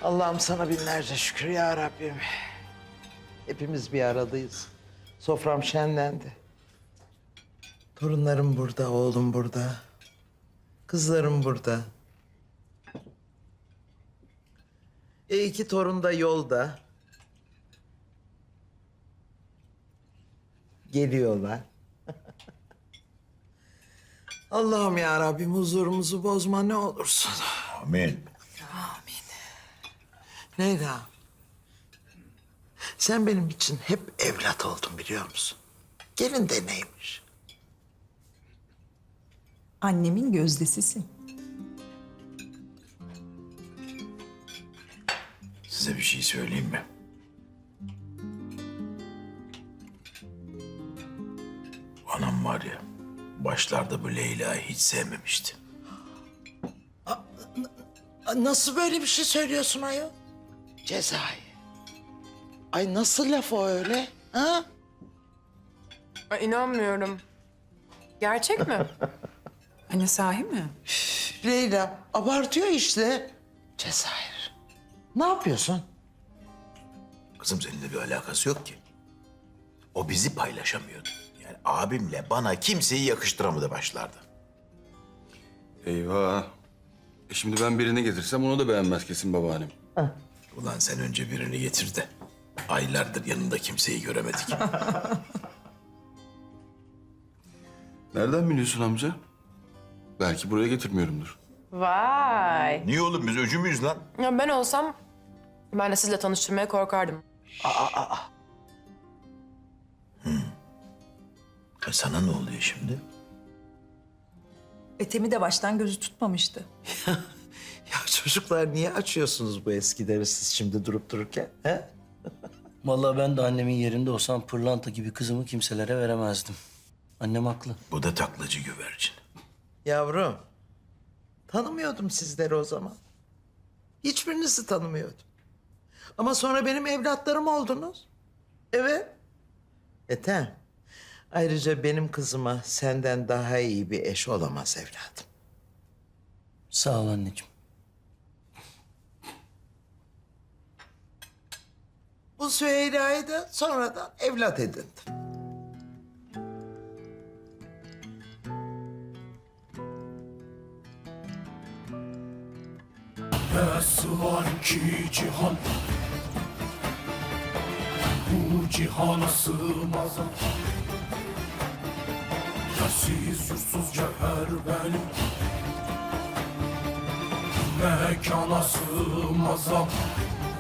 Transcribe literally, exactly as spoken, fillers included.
Allah'ım sana binlerce şükür ya Rabbim. Hepimiz bir aradayız. Sofram şenlendi. Torunlarım burada, oğlum burada. Kızlarım burada. E iki torun da yolda. Geliyorlar. Allah'ım ya Rabbim huzurumuzu bozma ne olursun. Amin. Leyla. Sen benim için hep evlat oldun biliyor musun? Gelin de neymiş? Annemin gözdesisin. Size bir şey söyleyeyim mi? Anam var ya, başlarda bu Leyla'yı hiç sevmemişti. Nasıl böyle bir şey söylüyorsun ayol? Cezayı. Ay nasıl laf o öyle? Ha? Ay, inanmıyorum. Gerçek mi? Anne sahi mi? Leyla abartıyor işte. Cezayir. Ne yapıyorsun? Kızım seninle bir alakası yok ki. O bizi paylaşamıyordu. Yani abimle bana kimseyi yakıştıramadı başlarda. Eyvah. E şimdi ben birini getirsem onu da beğenmez kesin babaannem. Ulan sen önce birini getir de. Aylardır yanında kimseyi göremedik. Nereden biliyorsun amca? Belki buraya getirmiyorumdur. Vay. Niye oğlum biz öcü müyüz lan? Ya ben olsam ben de sizle tanıştırmaya korkardım. E sana ne oluyor şimdi? Etemi de baştan gözü tutmamıştı. Ya çocuklar niye açıyorsunuz bu eskileri siz şimdi durup dururken? He? Vallahi ben de annemin yerinde olsam pırlanta gibi kızımı kimselere veremezdim. Annem haklı. Bu da taklacı güvercin. Yavrum, tanımıyordum sizleri o zaman. Hiçbirinizi tanımıyordum. Ama sonra benim evlatlarım oldunuz. Evet. Ethem, ayrıca benim kızıma senden daha iyi bir eş olamaz evladım. Sağ ol anneciğim. Bu Süheyla'yı da sonradan evlat edindim. Nasıl var ki cihan, bu cihana sığmaz. Yersiz yursuz cevher benim, mekana sığmaz.